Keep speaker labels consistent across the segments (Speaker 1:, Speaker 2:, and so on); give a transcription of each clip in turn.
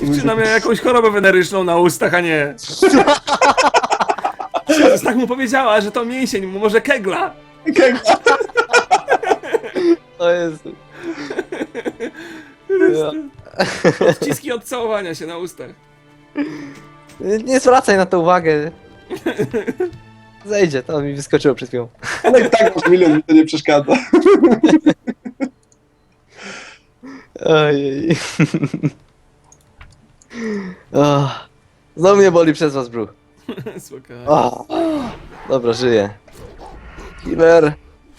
Speaker 1: Dziewczyna miała jakąś chorobę weneryczną na ustach, a nie. Tak mu powiedziała, że to mięsień, może kegla.
Speaker 2: To jest... Ja.
Speaker 1: Odciski od całowania się na ustach.
Speaker 2: Nie zwracaj na to uwagę. Zejdzie, to mi wyskoczyło przed chwilą.
Speaker 3: Ale i tak masz milion, mi to nie przeszkadza.
Speaker 2: Ojej. Znowu mnie boli przez was brzuch.
Speaker 1: Spokojnie.
Speaker 2: Dobra, żyję. Killer.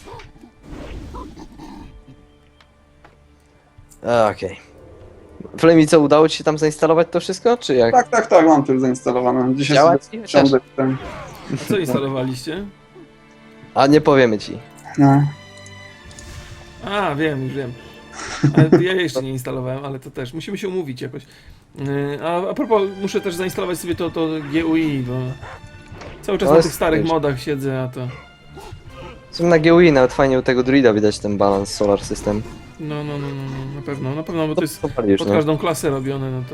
Speaker 2: Okej. Flamey, co, udało ci się tam zainstalować to wszystko, czy jak?
Speaker 3: Tak, mam to już zainstalowane. Dzisiaj
Speaker 2: Działa
Speaker 3: sobie
Speaker 2: ci chociaż?
Speaker 3: wsiądę w ten.
Speaker 1: A co instalowaliście?
Speaker 2: A nie powiemy ci.
Speaker 3: No.
Speaker 1: A, wiem, już wiem. Ale ja jeszcze nie instalowałem, ale to też. Musimy się umówić jakoś. A propos, muszę też zainstalować sobie to GUI, bo cały czas
Speaker 2: To
Speaker 1: na
Speaker 2: jest
Speaker 1: tych starych
Speaker 2: wiesz.
Speaker 1: modach siedzę, a to...
Speaker 2: W sumie na GUI nawet fajnie u tego druida widać ten balans Solar System.
Speaker 1: No, na pewno, bo to jest
Speaker 2: Popalisz,
Speaker 1: pod
Speaker 2: no.
Speaker 1: każdą klasę robione, no to...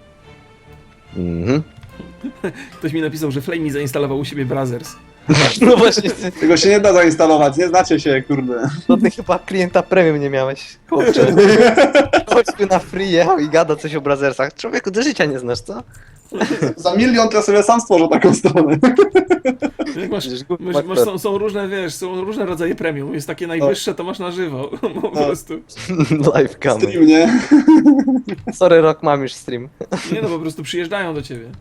Speaker 2: Mhm.
Speaker 1: Ktoś mi napisał, że Flamey zainstalował u siebie Brazzers.
Speaker 2: No właśnie,
Speaker 3: Tego się nie da zainstalować, nie znacie się, kurde.
Speaker 2: to ty chyba klienta premium nie miałeś. Kurczę. Chodź tu na free jechał i gada coś o Brazzersach. Człowieku, do życia nie znasz, co?
Speaker 3: Za milion to ja sobie sam stworzę taką stronę.
Speaker 1: Jak masz,
Speaker 2: Przecież głupi
Speaker 1: masz,
Speaker 2: makler.
Speaker 1: są różne, wiesz, są różne rodzaje premium. Jest takie najwyższe, to masz na żywo, po prostu.
Speaker 2: Live cam.
Speaker 3: Stream, nie?
Speaker 2: Sorry, Rock, mam już stream.
Speaker 1: Nie no, po prostu przyjeżdżają do ciebie.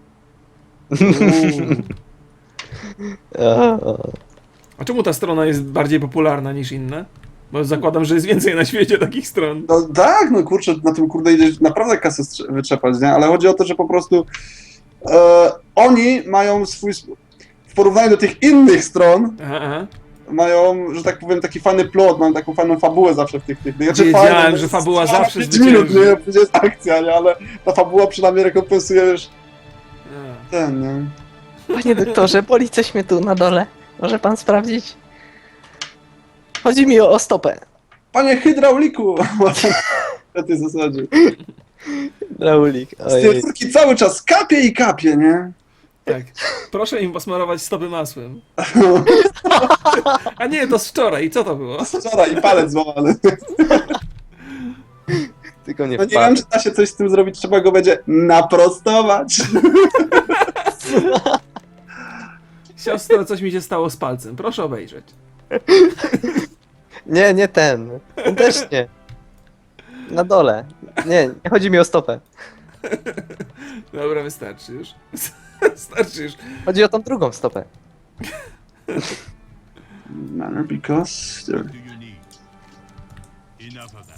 Speaker 1: A czemu ta strona jest bardziej popularna niż inne? Bo zakładam, że jest więcej na świecie takich stron.
Speaker 3: No tak, no kurczę, na tym kurde idziesz naprawdę kasę wyczepać, nie? Ale chodzi o to, że po prostu oni mają swój... W porównaniu do tych innych stron,
Speaker 1: Aha.
Speaker 3: mają, że tak powiem, taki fajny plot, mają taką fajną fabułę zawsze w tych...
Speaker 1: Wiedziałem, że fabuła zawsze
Speaker 3: 5 minut,
Speaker 1: zwycięży.
Speaker 3: nie? Później jest akcja, nie? Ale ta fabuła przynajmniej rekompensuje już
Speaker 1: A.
Speaker 3: ten, nie?
Speaker 2: Panie doktorze, boli coś mnie tu na dole. Może pan sprawdzić? Chodzi mi o stopę.
Speaker 3: Panie hydrauliku! Na tej zasadzie.
Speaker 2: Raulik,
Speaker 3: Z tej
Speaker 2: ojej.
Speaker 3: córki cały czas kapie i kapie, nie?
Speaker 1: Tak. Proszę im posmarować stopy masłem. A nie, to z wczoraj. Co to było?
Speaker 3: Wczoraj i palec złamany.
Speaker 2: Tylko nie
Speaker 3: No nie
Speaker 2: wpadł.
Speaker 3: wiem, czy da się coś z tym zrobić, trzeba go będzie naprostować.
Speaker 1: Siostro, coś mi się stało z palcem. Proszę obejrzeć.
Speaker 2: Nie, nie ten. Ten też nie. Na dole. Nie, nie chodzi mi o stopę.
Speaker 1: Dobra, wystarczy już. Wystarczy już.
Speaker 2: Chodzi o tą drugą stopę.
Speaker 3: Manner because...
Speaker 4: do you need? Enough of that.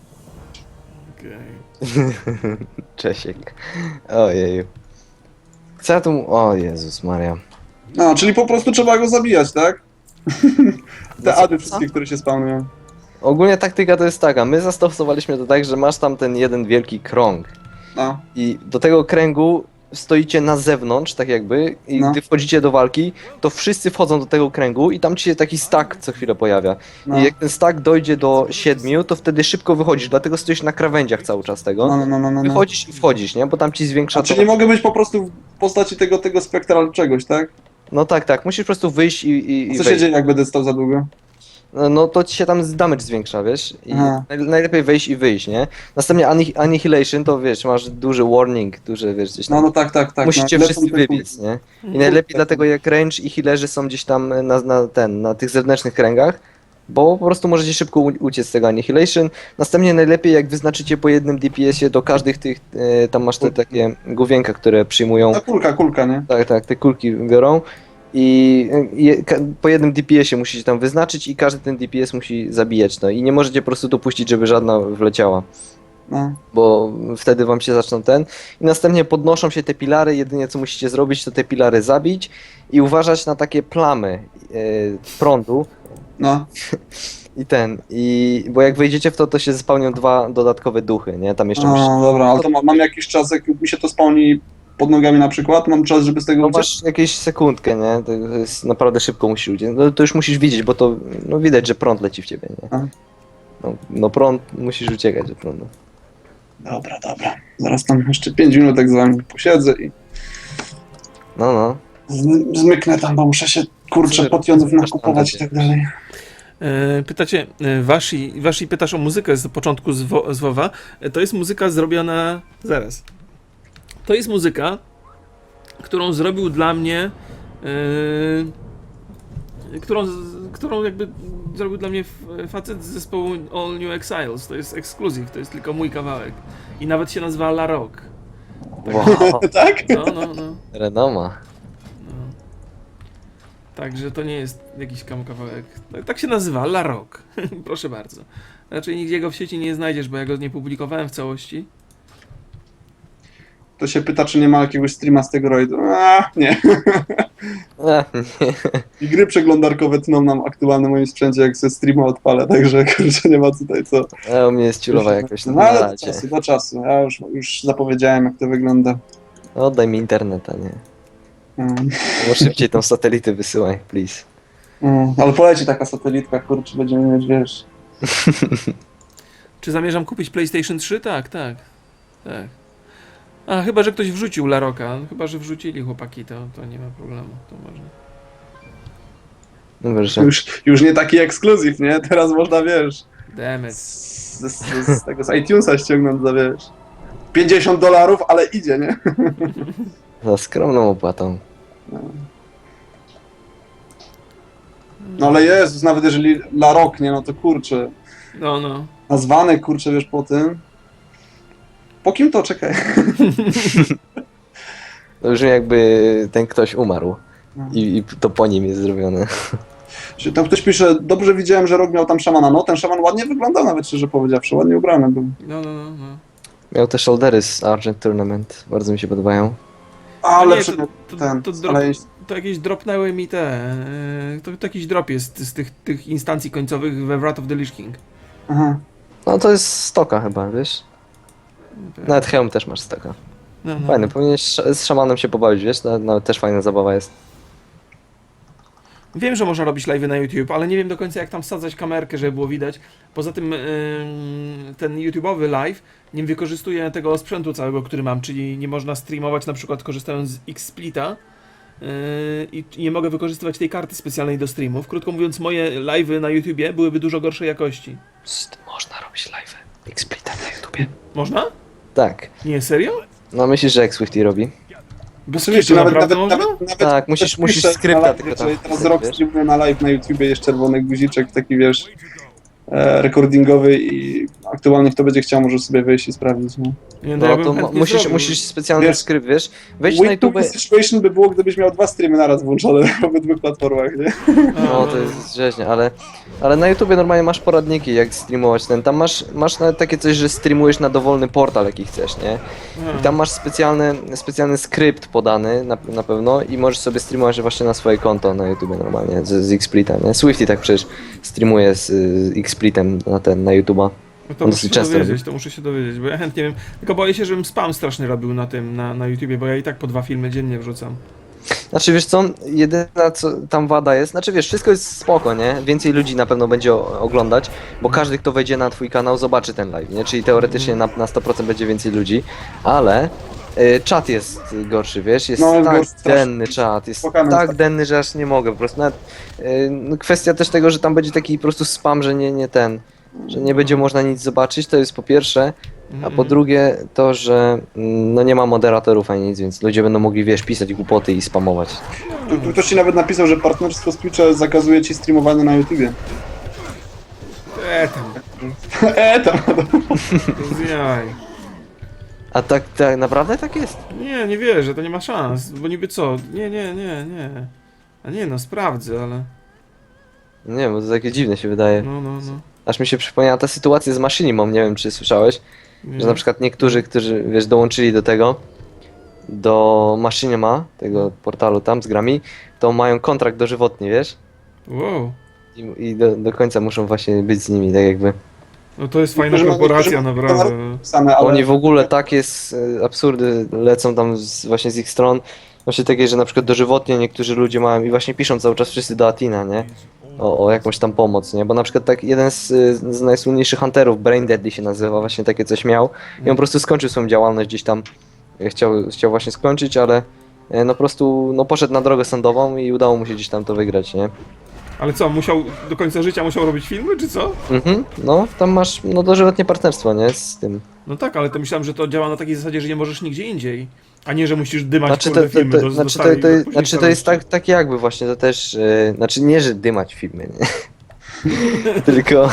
Speaker 1: Okej.
Speaker 2: Czesiek. Ojeju. Co ja tu... O Jezus Maria.
Speaker 3: No, czyli po prostu trzeba go zabijać, tak? Te
Speaker 2: Co?
Speaker 3: ady wszystkie, które się spawnują.
Speaker 2: Ogólnie taktyka to jest taka. My zastosowaliśmy to tak, że masz tam ten jeden wielki krąg.
Speaker 3: No.
Speaker 2: I do tego kręgu stoicie na zewnątrz, tak jakby, i
Speaker 3: No.
Speaker 2: gdy wchodzicie do walki, to wszyscy wchodzą do tego kręgu i tam ci się taki stack co chwilę pojawia.
Speaker 3: No.
Speaker 2: I jak ten stack dojdzie do 7, to wtedy szybko wychodzisz, dlatego stoisz na krawędziach cały czas tego.
Speaker 3: No.
Speaker 2: Wychodzisz i wchodzisz, nie? Bo tam ci zwiększa
Speaker 3: A czyli mogę być po prostu w postaci tego spektral czegoś, tak?
Speaker 2: No tak, musisz po prostu wyjść i
Speaker 3: Co się
Speaker 2: wejść.
Speaker 3: dzieje, jak będę stał za długo?
Speaker 2: No to ci się tam damage zwiększa, wiesz? I
Speaker 3: Aha.
Speaker 2: najlepiej wejść i wyjść, nie? Następnie Annihilation to wiesz, masz duży warning, duże wiesz gdzieś tam.
Speaker 3: No tak.
Speaker 2: Musicie
Speaker 3: no,
Speaker 2: wszyscy
Speaker 3: lecą te
Speaker 2: wybiec, nie? I najlepiej dlatego jak range i healerzy są gdzieś tam na tych zewnętrznych kręgach, bo po prostu możecie szybko uciec z tego Annihilation. Następnie najlepiej jak wyznaczycie po jednym DPS-ie do każdych tych, tam masz te takie główienka, które przyjmują,
Speaker 3: No kulka, nie?
Speaker 2: tak, te kulki biorą. I po jednym DPS-ie musicie tam wyznaczyć i każdy ten DPS musi zabijać, no i nie możecie po prostu dopuścić, żeby żadna wleciała,
Speaker 3: No.
Speaker 2: bo wtedy wam się zaczną i następnie podnoszą się te pilary, jedynie co musicie zrobić to te pilary zabić i uważać na takie plamy prądu
Speaker 3: No.
Speaker 2: bo jak wejdziecie w to się spełnią 2 dodatkowe duchy, nie, tam jeszcze
Speaker 3: No dobra, ale to mam jakiś czas, jak mi się to spawni pod nogami na przykład, mam czas, żeby z tego
Speaker 2: no
Speaker 3: uciec?
Speaker 2: masz jakieś sekundkę, nie, to jest naprawdę szybko musisz uciec, no to już musisz widzieć, bo to, no widać, że prąd leci w ciebie, nie.
Speaker 3: Aha.
Speaker 2: No prąd, musisz uciekać od prądu.
Speaker 3: Dobra, dobra. Zaraz tam jeszcze 5 minut tak z wami posiedzę i
Speaker 2: No.
Speaker 3: zmyknę tam, bo muszę się, kurczę,
Speaker 2: Super.
Speaker 3: potionów nakupować i tak dalej.
Speaker 1: Pytacie, Washi pytasz o muzykę z początku z WoWa. To jest muzyka zrobiona... Zaraz. To jest muzyka, którą zrobił dla mnie... którą jakby zrobił dla mnie facet z zespołu All New Exiles. To jest ekskluzyw, to jest tylko mój kawałek. I nawet się nazywa La Rock.
Speaker 2: Wow,
Speaker 3: Tak?
Speaker 1: No.
Speaker 2: renoma.
Speaker 1: Także to nie jest jakiś kawałek. Tak się nazywa, La Rock. Proszę bardzo. Raczej nigdzie go w sieci nie znajdziesz, bo ja go nie publikowałem w całości.
Speaker 3: To się pyta, czy nie ma jakiegoś streama z tego rajdu. Nie.
Speaker 2: Nie.
Speaker 3: I gry przeglądarkowe tną nam aktualnie na moim sprzęcie, jak ze streama odpalę, także kurczę, nie ma tutaj co.
Speaker 2: U mnie jest ciulowa jakoś
Speaker 3: No
Speaker 2: na
Speaker 3: ale
Speaker 2: razie.
Speaker 3: do czasu. Ja już zapowiedziałem, jak to wygląda.
Speaker 2: Oddaj mi internet, a nie.
Speaker 3: Mm.
Speaker 2: Bo szybciej tą satelitę wysyłaj, please.
Speaker 3: Ale poleci taka satelitka, kurczę, będziemy mieć, wiesz...
Speaker 1: Czy zamierzam kupić PlayStation 3? Tak. A, chyba, że ktoś wrzucił La Rocka. Chyba, że wrzucili chłopaki, to nie ma problemu. To może.
Speaker 2: Dobra, że...
Speaker 3: Już nie taki ekskluzyw, nie? Teraz można, wiesz...
Speaker 1: Demet.
Speaker 3: Z tego z iTunesa ściągnąć za, wiesz... $50, ale idzie, nie?
Speaker 2: Za skromną opłatą.
Speaker 3: No ale Jezus, nawet jeżeli La Rock, nie? No to kurczę...
Speaker 1: No.
Speaker 3: Nazwany, kurczę, wiesz, po tym... Po kim to? Czekaj.
Speaker 2: To brzmi jakby ten ktoś umarł.
Speaker 3: No.
Speaker 2: I to po nim jest zrobione.
Speaker 3: Czy tam ktoś pisze, dobrze widziałem, że Rock miał tam szamana. No, ten szaman ładnie wyglądał nawet, szczerze powiedziawszy, ładnie ubrany był.
Speaker 1: No.
Speaker 2: Miał te shouldery z Argent Tournament. Bardzo mi się podobają.
Speaker 3: Ale
Speaker 1: Nie,
Speaker 3: przy...
Speaker 1: to
Speaker 3: ale
Speaker 1: to jakieś dropnęły mi te... To jakiś drop jest z tych instancji końcowych we Wrath of the Lich King.
Speaker 3: Aha.
Speaker 2: No to jest stoka chyba, wiesz? Nawet hełm też masz stoka.
Speaker 1: No.
Speaker 2: Fajny, powinieneś z szamanem się pobawić, wiesz? No, też fajna zabawa jest.
Speaker 1: Wiem, że można robić live'y na YouTube, ale nie wiem do końca jak tam wsadzać kamerkę, żeby było widać. Poza tym ten YouTube'owy live nie wykorzystuje tego sprzętu całego, który mam, czyli nie można streamować na przykład korzystając z XSplita i nie mogę wykorzystywać tej karty specjalnej do streamów. Krótko mówiąc, moje live'y na YouTubie byłyby dużo gorszej jakości.
Speaker 2: Można robić live. Xsplita na YouTubie.
Speaker 1: Można?
Speaker 2: Tak.
Speaker 1: Nie, serio?
Speaker 2: No myślisz, że jak Swifty robi?
Speaker 1: Bez
Speaker 3: Oczywiście,
Speaker 1: kitu, naprawdę można?
Speaker 2: Tak, musisz
Speaker 3: piszę
Speaker 2: skrypta
Speaker 3: na live,
Speaker 2: tylko tam
Speaker 3: jeżeli teraz
Speaker 2: wpisać,
Speaker 3: Rock
Speaker 2: wiesz?
Speaker 3: streamuje na live na YouTubie, jest czerwony guziczek, taki, wiesz, recordingowy i aktualnie kto będzie chciał, może sobie wejść i sprawdzić, nie?
Speaker 1: Nie,
Speaker 2: No
Speaker 1: ja bym
Speaker 2: to
Speaker 1: chętnie
Speaker 2: musisz,
Speaker 1: zrobił.
Speaker 2: musisz specjalny
Speaker 3: Wiesz,
Speaker 2: skrypt, wiesz? Wejdź na
Speaker 3: Way
Speaker 2: YouTube.
Speaker 3: to situation by było, gdybyś miał 2 streamy naraz włączone na obydwu platformach, nie?
Speaker 2: No to jest rzeźnie, ale na YouTubie normalnie masz poradniki jak streamować ten. Tam masz nawet takie coś, że streamujesz na dowolny portal jaki chcesz, nie? I tam masz specjalny skrypt podany na pewno i możesz sobie streamować właśnie na swoje konto na YouTubie normalnie z Xsplita, nie? Swifty tak przecież streamuje z Xsplitem na YouTuba.
Speaker 1: No to
Speaker 2: On
Speaker 1: muszę się
Speaker 2: dosyć często
Speaker 1: dowiedzieć, bo ja chętnie wiem. Tylko boję się, żebym spam straszny robił na tym, na YouTubie, bo ja i tak po 2 filmy dziennie wrzucam.
Speaker 2: Znaczy wiesz co, jedyna co tam wada jest, znaczy wiesz, wszystko jest spoko, nie? Więcej ludzi na pewno będzie oglądać, bo każdy kto wejdzie na twój kanał zobaczy ten live, nie? Czyli teoretycznie na 100% będzie więcej ludzi, ale czat jest gorszy, wiesz? Jest
Speaker 3: No,
Speaker 2: tak
Speaker 3: gorszy, strasznie.
Speaker 2: denny czat, jest
Speaker 3: Spokojnie,
Speaker 2: tak
Speaker 3: tak.
Speaker 2: denny, że aż nie mogę, po prostu nawet no, kwestia też tego, że tam będzie taki po prostu spam, że że nie będzie można nic zobaczyć, to jest po pierwsze, a po drugie to, że no nie ma moderatorów ani nic, więc ludzie będą mogli, wiesz, pisać głupoty i spamować.
Speaker 3: Tu ktoś ci nawet napisał, że partnerstwo z Twitcha zakazuje ci streamowania na YouTubie.
Speaker 1: Tam,
Speaker 3: Tam.
Speaker 1: zjaj.
Speaker 2: A tak naprawdę tak jest?
Speaker 1: Nie wierzę, to nie ma szans, bo niby co? Nie. A nie, no sprawdzę, ale...
Speaker 2: Nie, bo to takie dziwne się wydaje.
Speaker 1: No.
Speaker 2: Aż mi się przypomniała ta sytuacja z Machinimą, nie wiem czy słyszałeś,
Speaker 1: Nie.
Speaker 2: że na przykład niektórzy, którzy wiesz, dołączyli do Machinima, tego portalu tam z grami, to mają kontrakt dożywotni, wiesz?
Speaker 1: Wow.
Speaker 2: I do końca muszą właśnie być z nimi, tak jakby.
Speaker 1: No to jest fajna
Speaker 3: Niektórzy mają-
Speaker 1: korporacja,
Speaker 3: niektórzy-
Speaker 1: naprawdę.
Speaker 3: Same, ale...
Speaker 2: Oni w ogóle tak jest absurdy lecą tam właśnie z ich stron, Właśnie takie, że na przykład dożywotnie niektórzy ludzie mają i właśnie piszą cały czas wszyscy do Atina, nie? O jakąś tam pomoc, nie? Bo na przykład tak jeden z najsłynniejszych hunterów, Brain Deadly się nazywa, właśnie takie coś miał i on po prostu skończył swoją działalność gdzieś tam, chciał właśnie skończyć, ale no po prostu no poszedł na drogę sądową i udało mu się gdzieś tam to wygrać, nie?
Speaker 1: Ale co, musiał do końca życia musiał robić filmy, czy co?
Speaker 2: No, tam masz no dożywotnie partnerstwo, nie? Z tym.
Speaker 1: No tak, ale to myślałem, że to działa na takiej zasadzie, że nie możesz nigdzie indziej. A nie, że musisz dymać
Speaker 2: Znaczy
Speaker 1: kurde filmy do starej- do później
Speaker 2: znaczy to jest
Speaker 1: starości.
Speaker 2: tak jakby właśnie, to też, znaczy nie, że dymać filmy, nie? Tylko,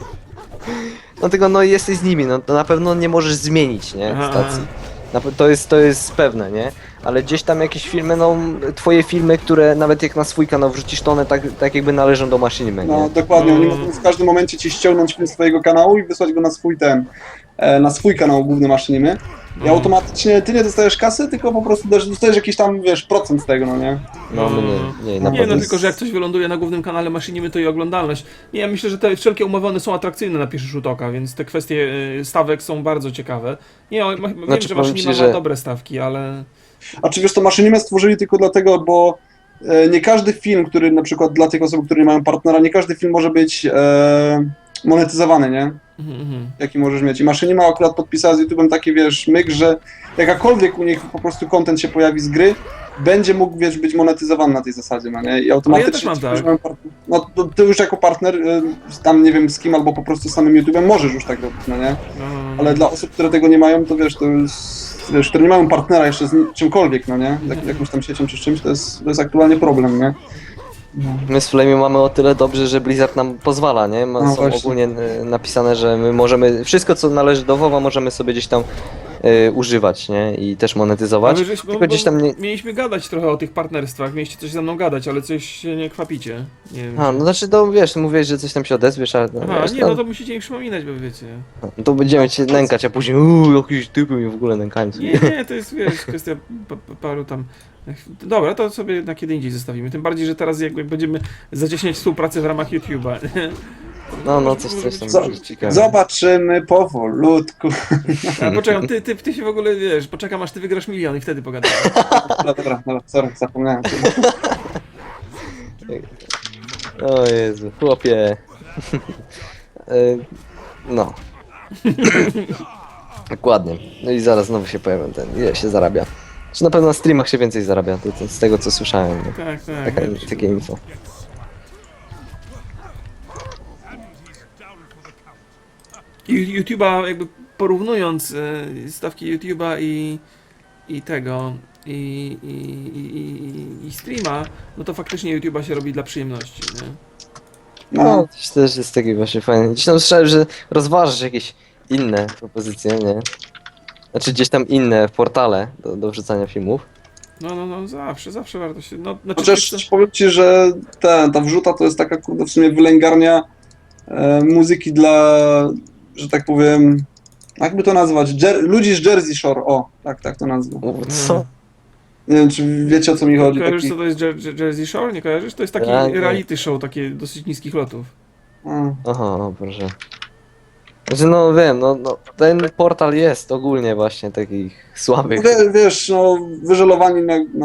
Speaker 2: no tylko no jesteś z nimi, no to na pewno nie możesz zmienić, nie,
Speaker 1: Aha,
Speaker 2: stacji. To jest pewne, nie? Ale gdzieś tam jakieś filmy, no twoje filmy, które nawet jak na swój kanał wrzucisz, to one tak jakby należą do maszyny,
Speaker 3: No
Speaker 2: nie?
Speaker 3: dokładnie, oni
Speaker 1: No.
Speaker 3: mogą w każdym momencie ci ściągnąć film z twojego kanału i wysłać go na swój na swój kanał główny Maszynimy. I automatycznie ty nie dostajesz kasy, tylko po prostu dostajesz jakiś tam, wiesz, procent z tego, no nie?
Speaker 2: No my nie, na
Speaker 1: Nie,
Speaker 2: pewno.
Speaker 1: no tylko, że jak coś wyląduje na głównym kanale Maszynimy, to i oglądalność. Nie, ja myślę, że te wszelkie umowy one są atrakcyjne na pierwszy rzut oka, więc te kwestie stawek są bardzo ciekawe. Nie, wiem,
Speaker 2: Znaczy,
Speaker 1: że
Speaker 2: powiem
Speaker 1: Maszynima
Speaker 2: ci,
Speaker 1: ma
Speaker 2: że-
Speaker 1: dobre stawki, ale...
Speaker 3: A czy wiesz, to Maszynimę stworzyli tylko dlatego, bo nie każdy film, który na przykład dla tych osób, które nie mają partnera, nie każdy film może być monetyzowany, nie? Jaki możesz mieć. I Maszynima akurat podpisała z YouTube'em taki, wiesz, myk, że jakakolwiek u nich po prostu content się pojawi z gry, będzie mógł, wiesz, być monetyzowany na tej zasadzie, no nie? I automatycznie
Speaker 1: też mam
Speaker 3: ci,
Speaker 1: tak.
Speaker 3: którzy mają no to ty już jako partner, tam nie wiem z kim, albo po prostu z samym YouTube'em możesz już tak robić, no nie? Ale dla osób, które tego nie mają, to wiesz, to jest, wiesz, które nie mają partnera jeszcze z czymkolwiek, no nie? Jakąś tam siecią czy z czymś, to jest aktualnie problem, nie?
Speaker 2: My z Flamey mamy o tyle dobrze, że Blizzard nam pozwala, nie?
Speaker 3: No
Speaker 2: Są
Speaker 3: właśnie.
Speaker 2: ogólnie napisane, że my możemy, wszystko co należy do WoWa możemy sobie gdzieś tam używać, nie? I też monetyzować. Tylko gdzieś tam nie...
Speaker 1: Mieliśmy gadać trochę o tych partnerstwach, mieliście coś ze mną gadać, ale coś się nie kwapicie. Nie wiem.
Speaker 2: A, no znaczy to wiesz, mówiłeś, że coś tam się odezwiesz, ale
Speaker 1: Aha,
Speaker 2: wiesz,
Speaker 1: nie, no to musicie mi przypominać, bo wiecie.
Speaker 2: to będziemy cię nękać, a później jakieś typy mi w ogóle nękają.
Speaker 1: Nie, to jest, wiesz, kwestia paru tam... Dobra, to sobie na kiedy indziej zostawimy. Tym bardziej, że teraz jakby będziemy zacieśniać współpracę w ramach YouTube'a.
Speaker 2: No, coś tam
Speaker 3: Co-
Speaker 2: będzie ciekawe.
Speaker 3: Zobaczymy powolutku.
Speaker 1: A poczekam, ty się w ogóle, wiesz, poczekam aż ty wygrasz milion i wtedy pogadamy.
Speaker 3: Dobra, sorry, zapomniałem.
Speaker 2: O Jezu, chłopie. No. Dokładnie. No i zaraz znowu się pojawią ile się zarabia. Czy na pewno na streamach się więcej zarabia, to z tego co słyszałem. No.
Speaker 1: Tak, tak.
Speaker 2: Takie info.
Speaker 1: YouTube'a jakby porównując stawki YouTube'a i tego i streama, no to faktycznie YouTube'a się robi dla przyjemności, nie?
Speaker 2: No, to też jest taki właśnie fajny. Gdzieś tam słyszałem, że rozważasz jakieś inne propozycje, nie? Znaczy gdzieś tam inne portale do wrzucania filmów.
Speaker 1: No, zawsze warto się, no, znaczy,
Speaker 3: Chociaż powiem ci, że ta wrzuta to jest taka, kurde, w sumie wylęgarnia muzyki dla, że tak powiem, jakby to nazwać, ludzi z Jersey Shore, o, tak to nazwę.
Speaker 2: Co?
Speaker 3: Nie wiem, czy wiecie, o co mi chodzi.
Speaker 1: kojarzysz
Speaker 3: Taki,
Speaker 1: co to jest Jersey Shore? Nie kojarzysz? To jest taki
Speaker 2: Ja nie.
Speaker 1: reality show, takie dosyć niskich lotów.
Speaker 2: Aha, o proszę. Znaczy no wiem, no ten portal jest ogólnie właśnie takich słabych.
Speaker 3: wiesz, no, wyżelowani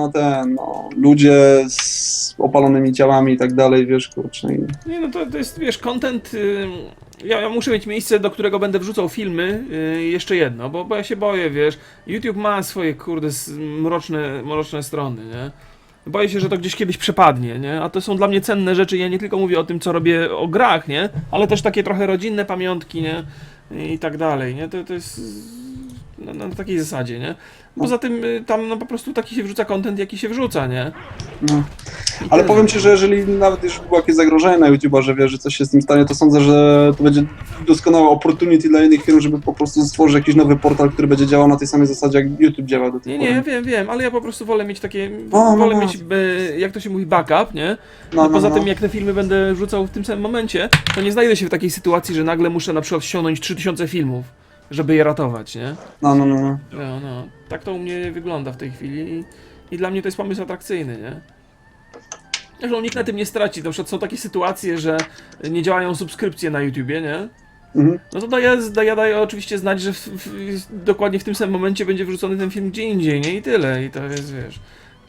Speaker 3: ludzie z opalonymi ciałami i tak dalej, wiesz, kurczę.
Speaker 1: Nie, no to jest, wiesz, content. Ja muszę mieć miejsce, do którego będę wrzucał filmy. Jeszcze jedno, bo ja się boję, wiesz. YouTube ma swoje, kurde, mroczne strony, nie? Boję się, że to gdzieś kiedyś przepadnie, nie? A to są dla mnie cenne rzeczy. Ja nie tylko mówię o tym, co robię o grach, nie? Ale też takie trochę rodzinne pamiątki, nie? I tak dalej, nie? To jest na takiej zasadzie, nie? Poza tym tam no po prostu taki się wrzuca content, jaki się wrzuca, nie?
Speaker 3: No.
Speaker 1: I
Speaker 3: Ale
Speaker 1: tyle.
Speaker 3: powiem ci, że jeżeli nawet już było jakieś zagrożenie na YouTube'a, że wiesz, że coś się z tym stanie, to sądzę, że to będzie doskonałe opportunity dla innych firm, żeby po prostu stworzyć jakiś nowy portal, który będzie działał na tej samej zasadzie, jak YouTube działał do tej
Speaker 1: Nie,
Speaker 3: pory.
Speaker 1: ja wiem, ale ja po prostu wolę mieć takie,
Speaker 3: No,
Speaker 1: wolę
Speaker 3: no.
Speaker 1: mieć, jak to się mówi, backup, nie?
Speaker 3: No,
Speaker 1: Poza
Speaker 3: no.
Speaker 1: tym, jak te filmy będę wrzucał w tym samym momencie, to nie znajdę się w takiej sytuacji, że nagle muszę na przykład ściągnąć 3000 filmów, żeby je ratować, nie?
Speaker 3: No.
Speaker 1: No. Tak to u mnie wygląda w tej chwili i dla mnie to jest pomysł atrakcyjny, nie? Zresztą nikt na tym nie straci, na przykład są takie sytuacje, że nie działają subskrypcje na YouTubie, nie?
Speaker 3: Mhm.
Speaker 1: No to daję oczywiście znać, że dokładnie w tym samym momencie będzie wrzucony ten film gdzie indziej, nie? I tyle. I to jest, wiesz,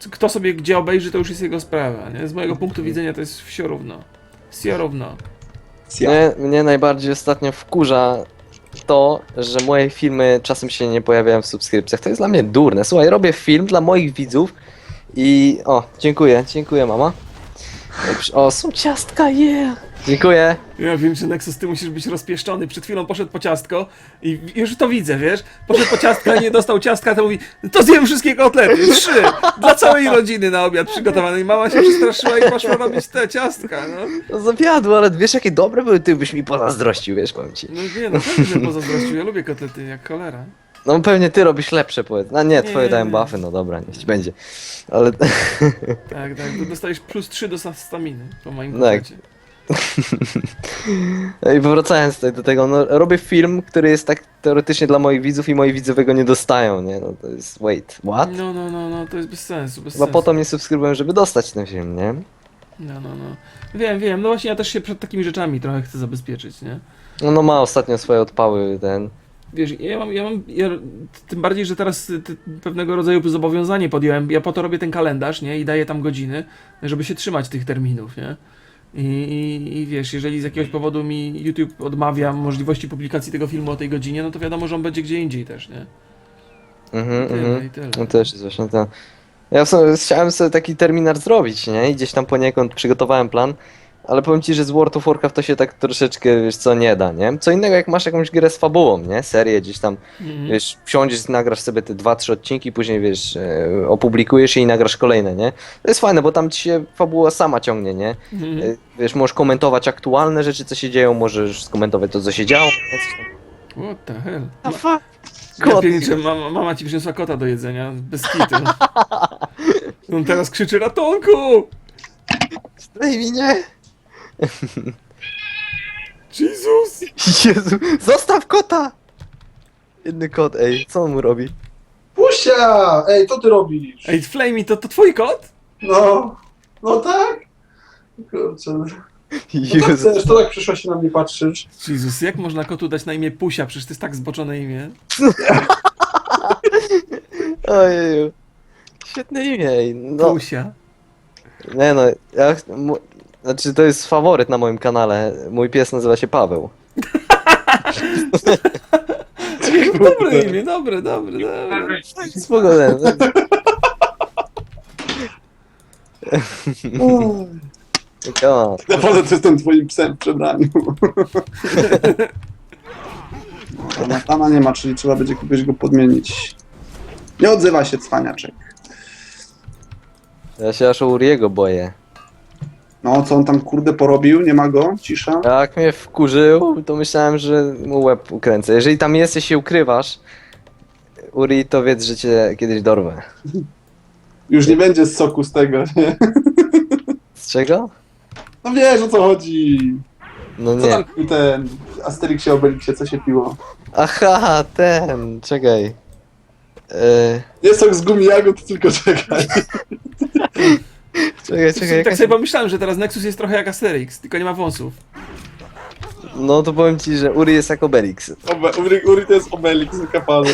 Speaker 1: kto sobie gdzie obejrzy, to już jest jego sprawa, nie? Z mojego punktu widzenia to jest wsio równo. Wsio równo.
Speaker 2: Mnie najbardziej ostatnio wkurza to, że moje filmy czasem się nie pojawiają w subskrypcjach. To jest dla mnie durne. Słuchaj, robię film dla moich widzów i... O, dziękuję mama. O, są ciastka, Dziękuję.
Speaker 1: Ja wiem, że Nexus, ty musisz być rozpieszczony. Przed chwilą poszedł po ciastko i już to widzę, wiesz? Poszedł po ciastka i nie dostał ciastka, to mówi, to zjem wszystkie kotlety, 3! Dla całej rodziny na obiad przygotowane. I mama się przestraszyła i poszła robić te ciastka, no.
Speaker 2: No zawiadło, ale wiesz jakie dobre były, ty byś mi pozazdrościł, wiesz, powiem ci.
Speaker 1: No nie, no pewnie, że pozazdrościł. Ja lubię kotlety jak cholera.
Speaker 2: No pewnie ty robisz lepsze, powiedz. No nie, twoje
Speaker 1: Nie.
Speaker 2: dałem buffy, no dobra, niech ci będzie. Ale...
Speaker 1: Tak, to dostajesz plus 3 do staminy po moim
Speaker 2: Tak.
Speaker 1: kotlecie.
Speaker 2: I wracając tutaj do tego, no robię film, który jest tak teoretycznie dla moich widzów i moi widzowie go nie dostają, nie? No to jest, what?
Speaker 1: No, to jest bez sensu, bez
Speaker 2: Chyba
Speaker 1: sensu.
Speaker 2: po to mnie subskrybują, żeby dostać ten film, nie?
Speaker 1: No. Wiem, no właśnie ja też się przed takimi rzeczami trochę chcę zabezpieczyć, nie?
Speaker 2: No ma ostatnio swoje odpały, ten...
Speaker 1: Wiesz, tym bardziej, że teraz pewnego rodzaju zobowiązanie podjąłem, ja po to robię ten kalendarz, nie? I daję tam godziny, żeby się trzymać tych terminów, nie? I wiesz, jeżeli z jakiegoś powodu mi YouTube odmawia możliwości publikacji tego filmu o tej godzinie, no to wiadomo, że on będzie gdzie indziej też, nie? I tyle.
Speaker 2: No też jest właśnie to. Ja w sumie chciałem sobie taki terminarz zrobić, nie? I gdzieś tam poniekąd przygotowałem plan, ale powiem ci, że z World of Warcraft to się tak troszeczkę, wiesz co, nie da, nie? Co innego jak masz jakąś grę z fabułą, nie? Serię gdzieś tam, wiesz, wsiądziesz, nagrasz sobie te 2-3 odcinki, później, wiesz, opublikujesz je i nagrasz kolejne, nie? To jest fajne, bo tam ci się fabuła sama ciągnie, nie? Wiesz, możesz komentować aktualne rzeczy, co się dzieją, możesz skomentować to, co się działo, nie? Coś tam.
Speaker 1: What the hell?
Speaker 2: A fuck?
Speaker 1: Ja
Speaker 2: Kot.
Speaker 1: pierniczę, mama ci przyniosła kota do jedzenia, bez kitu. On teraz krzyczy ratunku!
Speaker 2: Zdaj mi nie!
Speaker 1: Jezus!
Speaker 2: Jezu, zostaw kota! Jedny kot, ej, co on mu robi?
Speaker 3: Pusia! Ej, co ty robisz?
Speaker 1: Ej, Flamey, to twój kot?
Speaker 3: No tak? Kurczę. No tak
Speaker 2: Jezu.
Speaker 3: chcesz, to tak przyszła się na mnie patrzysz.
Speaker 1: Jezus, jak można kotu dać na imię Pusia? Przecież to jest tak zboczone imię.
Speaker 2: Ojeju. Świetne imię, ej. No,
Speaker 1: Pusia.
Speaker 2: nie no, znaczy to jest faworyt na moim kanale. Mój pies nazywa się Paweł.
Speaker 1: Dobre imię, dobre.
Speaker 2: Spokojnie.
Speaker 3: Naprawdę to jestem twoim psem w przebraniu. Nathana nie ma, czyli trzeba będzie kogoś go podmienić. Nie odzywa się cwaniaczek.
Speaker 2: Ja się aż o Uriego boję.
Speaker 3: No, co on tam kurde porobił? Nie ma go? Cisza?
Speaker 2: Jak mnie wkurzył, to myślałem, że mu łeb ukręcę. Jeżeli tam jesteś, się ukrywasz, Uri, to wiedz, że cię kiedyś dorwę.
Speaker 3: Już nie będzie z soku z tego, nie?
Speaker 2: Z czego?
Speaker 3: No wiesz o co chodzi.
Speaker 2: No
Speaker 3: Co
Speaker 2: nie.
Speaker 3: tam pił ten Asterixie, Obelixie, co się piło?
Speaker 2: Aha, ten, czekaj.
Speaker 3: Nie sok z gumi jagód, tylko czekaj.
Speaker 2: Czekaj,
Speaker 1: Tak sobie pomyślałem, że teraz Nexus jest trochę jak Asterix, tylko nie ma wąsów.
Speaker 2: No to powiem ci, że Uri jest jak Obelix.
Speaker 3: Uri to jest Obelix zakapany.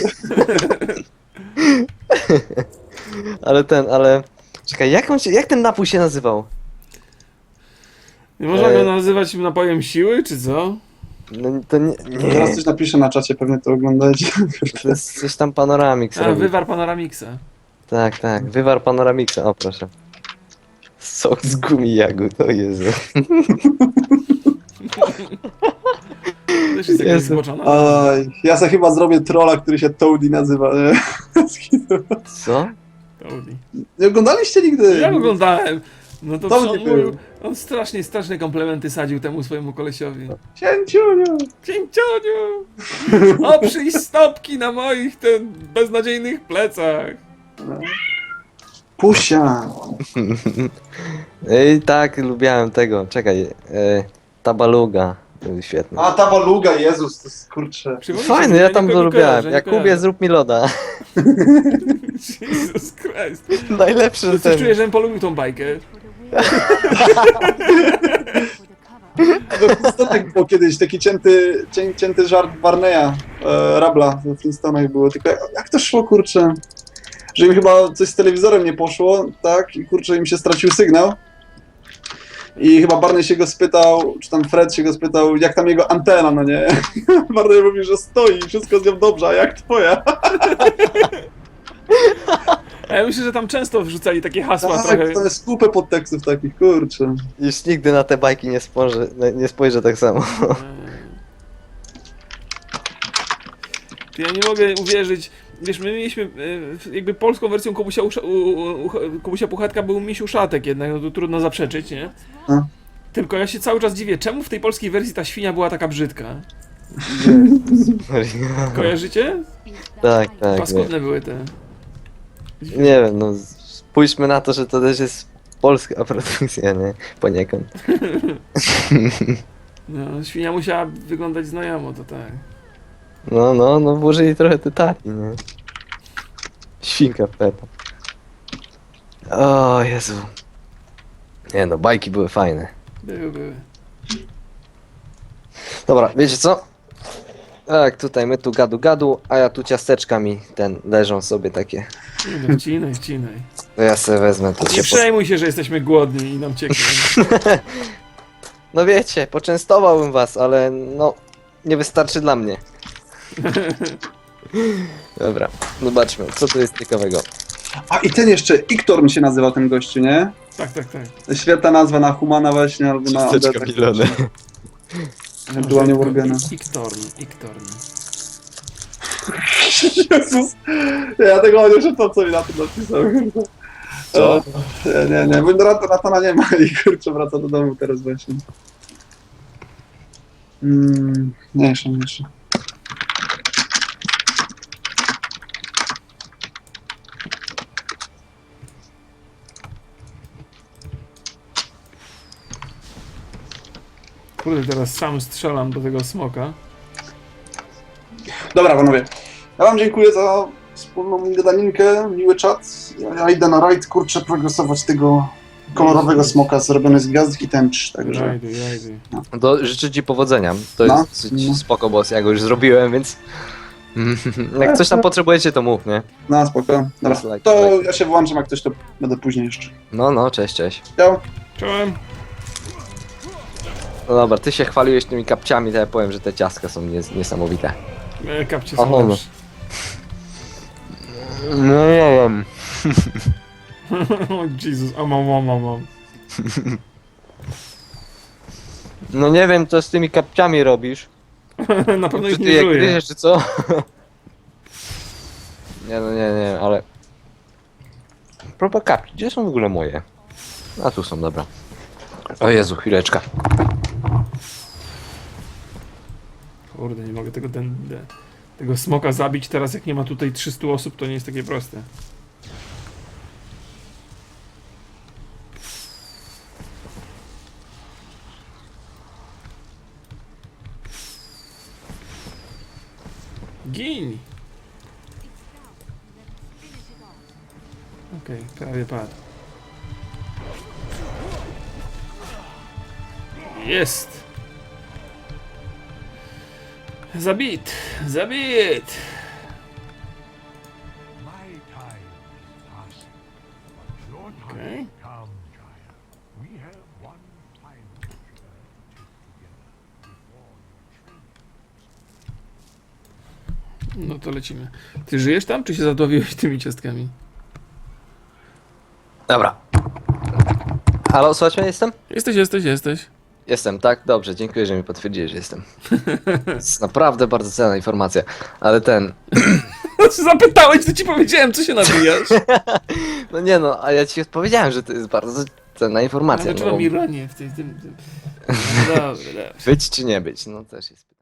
Speaker 2: Ale... Czekaj, jak ten napój się nazywał?
Speaker 1: Nie można go nazywać napojem siły, czy co?
Speaker 2: No to nie...
Speaker 3: Teraz coś napiszę na czacie, pewnie to oglądajcie.
Speaker 2: To jest coś tam Panoramix
Speaker 1: A,
Speaker 2: robi.
Speaker 1: wywar Panoramixa.
Speaker 2: Tak, wywar Panoramixa, o proszę. Sok z gumi jagód, o Jezu.
Speaker 1: Też jest jakaś
Speaker 2: Jezu.
Speaker 1: zboczona.
Speaker 3: Oj, ja sobie chyba zrobię trolla, który się Toady nazywa, nie?
Speaker 2: Co?
Speaker 1: Audi.
Speaker 3: Nie oglądaliście nigdy?
Speaker 1: Ja oglądałem. No to
Speaker 3: To
Speaker 1: on
Speaker 3: nie był.
Speaker 1: mówił, on straszne komplementy sadził temu swojemu kolesiowi.
Speaker 3: Cięciuniu!
Speaker 1: Cięcioniu! Oprzyj stopki na moich beznadziejnych plecach.
Speaker 3: Pusia!
Speaker 2: Ej, tak, lubiałem tego, czekaj. Tabaluga, to był świetny.
Speaker 3: A, ta baluga, Jezus, to jest kurczę.
Speaker 1: Przypomnijcie
Speaker 2: Fajny,
Speaker 1: mi,
Speaker 2: ja tam
Speaker 1: nikogo
Speaker 2: to
Speaker 1: nie
Speaker 2: lubiałem.
Speaker 1: kojarzę, nie
Speaker 2: Jakubie,
Speaker 1: kojarzę.
Speaker 2: zrób mi loda.
Speaker 1: Jesus Christ.
Speaker 2: Najlepszy
Speaker 1: To coś czuję, że bym polubił tą bajkę.
Speaker 3: To tak było kiedyś, taki cięty żart Barneya, Rabla w Flintstonach było, tylko jak to szło, kurczę? że im chyba coś z telewizorem nie poszło, tak, i kurczę, im się stracił sygnał. I chyba Barney się go spytał, czy tam Fred się go spytał, jak tam jego antena, no nie? Barney mówi, że stoi, wszystko z nią dobrze, a jak twoja?
Speaker 1: A ja myślę, że tam często wrzucali takie hasła
Speaker 3: Tak,
Speaker 1: trochę.
Speaker 3: to jest kupę podtekstów takich, kurczę.
Speaker 2: Już nigdy na te bajki nie spojrzę tak samo.
Speaker 1: Ja nie mogę uwierzyć. Wiesz, my mieliśmy jakby polską wersją Kubusia Puchatka był Misiu Szatek jednak, no to trudno zaprzeczyć, nie?
Speaker 3: No.
Speaker 1: Tylko ja się cały czas dziwię, czemu w tej polskiej wersji ta świnia była taka brzydka? Kojarzycie?
Speaker 2: Tak, tak. Nie.
Speaker 1: Paskudne były te.
Speaker 2: Nie wiem, no spójrzmy na to, że to też jest polska produkcja, nie? Poniekąd.
Speaker 1: No, świnia musiała wyglądać znajomo, to tak.
Speaker 2: No, włożyli trochę tytani, nie? Świnka Peppa. O Jezu. Nie no, bajki były fajne.
Speaker 1: Były.
Speaker 2: Dobra, wiecie co? Tak, tutaj my tu gadu, a ja tu ciasteczkami leżą sobie takie.
Speaker 1: No, wcinaj.
Speaker 2: To ja sobie wezmę to
Speaker 1: Nie
Speaker 2: się
Speaker 1: przejmuj się, że jesteśmy głodni i nam cieknie.
Speaker 2: No wiecie, poczęstowałbym was, ale no nie wystarczy dla mnie. Dobra, zobaczmy, co tu jest ciekawego.
Speaker 3: A i ten jeszcze, Iktorm się nazywa ten gościu, nie?
Speaker 1: Tak.
Speaker 3: Świetna nazwa na Humana właśnie, albo na
Speaker 2: Ciasteczka
Speaker 3: Odetę.
Speaker 2: Milone.
Speaker 3: Ewentualnie Worgena.
Speaker 1: Iktorn.
Speaker 3: Jezus, ja tego nie czytam, co mi na tym napisał.
Speaker 2: Co?
Speaker 3: Nie, bo Natana nie ma i kurczę wraca do domu teraz właśnie. Mniejsza.
Speaker 1: Kurde, teraz sam strzelam do tego smoka.
Speaker 3: Dobra, panowie. Ja wam dziękuję za wspólną gadaninkę, miły czat. Ja idę na rajd, kurczę, progresować tego kolorowego smoka zrobiony z gwiazdek i tęcz, także...
Speaker 1: Rajduj.
Speaker 2: To życzę ci powodzenia. To
Speaker 3: No,
Speaker 2: jest dosyć
Speaker 3: no.
Speaker 2: spoko boss, ja go już zrobiłem, więc... Jak coś tam potrzebujecie, to mów, nie?
Speaker 3: No, spoko. Dobra,
Speaker 2: Like,
Speaker 3: to ja się wyłączam, jak ktoś to będę później jeszcze.
Speaker 2: No, cześć.
Speaker 3: Ciao.
Speaker 1: Czołem.
Speaker 2: No dobra, ty się chwaliłeś tymi kapciami, to ja powiem, że te ciastka są niesamowite.
Speaker 1: Kapcie
Speaker 2: Aha,
Speaker 1: są
Speaker 2: no.
Speaker 1: lepsze.
Speaker 2: No nie wiem.
Speaker 1: O Jezus, mam.
Speaker 2: No nie wiem, co z tymi kapciami robisz.
Speaker 1: Na pewno
Speaker 2: Czy
Speaker 1: ich
Speaker 2: ty
Speaker 1: nie
Speaker 2: je
Speaker 1: żuję.
Speaker 2: gryziesz, czy co? Nie, ale... Propos kapci, gdzie są w ogóle moje? A tu są, dobra. O Jezu, chwileczka.
Speaker 1: Kurde, nie mogę tego smoka zabić teraz, jak nie ma tutaj 300 osób, to nie jest takie proste. Gin! Okej, prawie padł. Jest! Zabit!
Speaker 4: My time is passing, but your time
Speaker 1: Okay.
Speaker 4: will come, child. We have one time picture to take together before your training.
Speaker 1: No to lecimy. Ty żyjesz tam, czy się zadławiłeś tymi ciastkami?
Speaker 2: Dobra. Halo, słuchaj mnie, jestem?
Speaker 1: Jesteś.
Speaker 2: Jestem, tak? Dobrze, dziękuję, że mi potwierdziłeś, że jestem. To jest naprawdę bardzo cenna informacja. Ale
Speaker 1: Zapytałeś, to ci powiedziałem, co się nabijasz.
Speaker 2: No nie no, a ja ci odpowiedziałem, że to jest bardzo cenna informacja.
Speaker 1: Ale
Speaker 2: No,
Speaker 1: czułam ironię w tym. No dobra.
Speaker 2: być czy nie być, no też jest pytanie.